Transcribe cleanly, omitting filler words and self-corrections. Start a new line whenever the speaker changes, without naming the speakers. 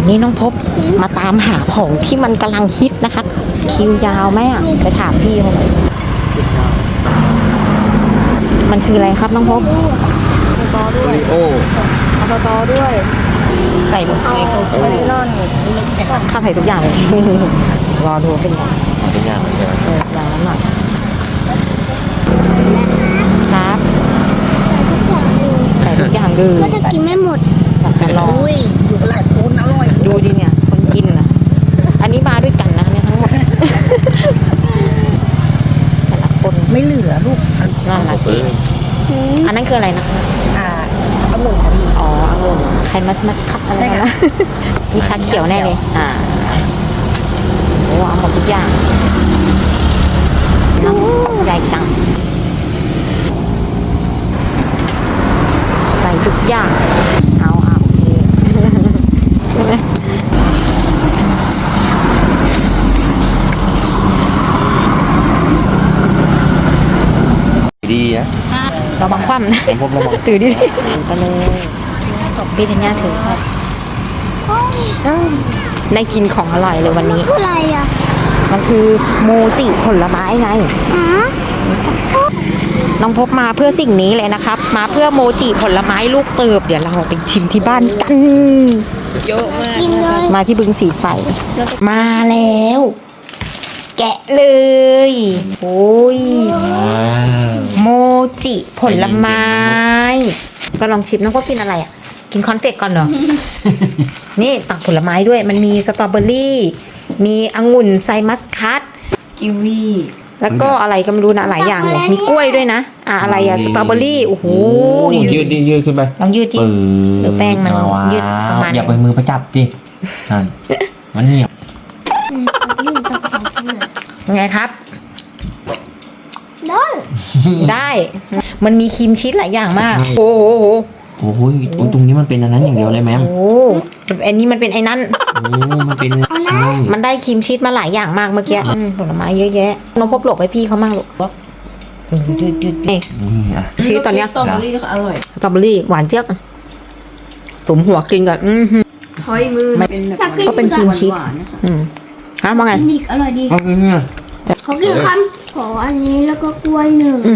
นี้น้องพบมาตามหาของที่มันกำลังฮิตนะคะคิวยาวไหมอ่ะไปถามพี่เขาหน่อยมันคืออะไรครับน้องพบตอด้วย
โอ้
เอาตอด้วย
ใส่หมด
เอาเมลอน
ข้าใส่ทุกอย่างเลย รอดูเป็นไง
เป็นอย่างไร
อย่างนั้นหน่อยครับใส่ทุกอย่างดู
ก็จะกินไม่หมด
จะลอง
อยู่กับหลายคนอร่อย
ดูดิเนี่ยคนกินนะอันนี้มาด้วยกันนะเนี่ยทั้งหมดแต่ละคน
ไม่เหลือลูก
นั่นละสิอันนั้นคืออะไรนะ
องุ่นดี
อ๋อองุ่นใครมัดคัดอะไรนะมีชาเขียวแน่เลยโอ้เอาหมดทุกอย่างน้ำใหญ่จังใส่ทุกอย่างเอาโอเคใช่ไหม
ดีนะ
เราบังคว่ำนะ
ผมระวัง
ถือดิไปเลยพี่ธัญญาถือครับได้กินของอร่อยเลยวันนี้
อะไรอ่ะ
มันคือโมจิผลไม้ไง น้องพบมาเพื่อสิ่งนี้เลยนะครับ มาเพื่อโมจิผลไม้ลูกเติบ เดี๋ยวเราไปชิมที่บ้านกัน
เยอะมาก
กินเลย
มาที่บึงสีไฟ มาแล้ว แกะเลย โอ้ย โมจิผลไม้ ก็ลองชิมน้องพบกินอะไรอ่ะ กินคอนเฟกก่อนเหรอ นี่ตักผลไม้ด้วย มันมีสตรอเบอรี่ มีองุ่นไซมัสคัสกิวี แล้วก็อะไรก็ไม่รู้นะหลายอย่างเลยมีกล้วยด้วยนะอะไรอะสตรอเบอรี่โอ้โห
ยืดยืดขึ้นไป
ลองยืดดิหรือแป้งมันยืดประมาณ
อย่าไปมือประจับดินั่นมันเหนียว
ยังไงครับ
ได้
ได้ มันมีครีมชีสหลายอย่างมาก โอ้โห
โอ้โหตรงนี้มันเป็นอันนั้นอย่างเดียวเลยแม่
โอ้โหอันนี้มันเป็นไอ้นั่น
โอ้มันเป็นใช่
มันได้ครีมชีสมาหลายอย่างมากเมื่อกี้ผลไม้เยอะแยะน้องพบหลบให้พี่เขามั่งหลบนี่
นี่อ่ะ
ชีสตอนเนี้ย
สตรอเบอรี่ก็อร่อย
สตรอเบอรี่หวานเจี๊ยบสมหัวกินกับ
หอยมือเป็นแบบ
ก็เป็นครีมชีสฮะว่าไง
อีกอร่อยดี
เอาเนี่ย
เขากินคำขออันนี้แล้วก็กล้วยหนึ่ง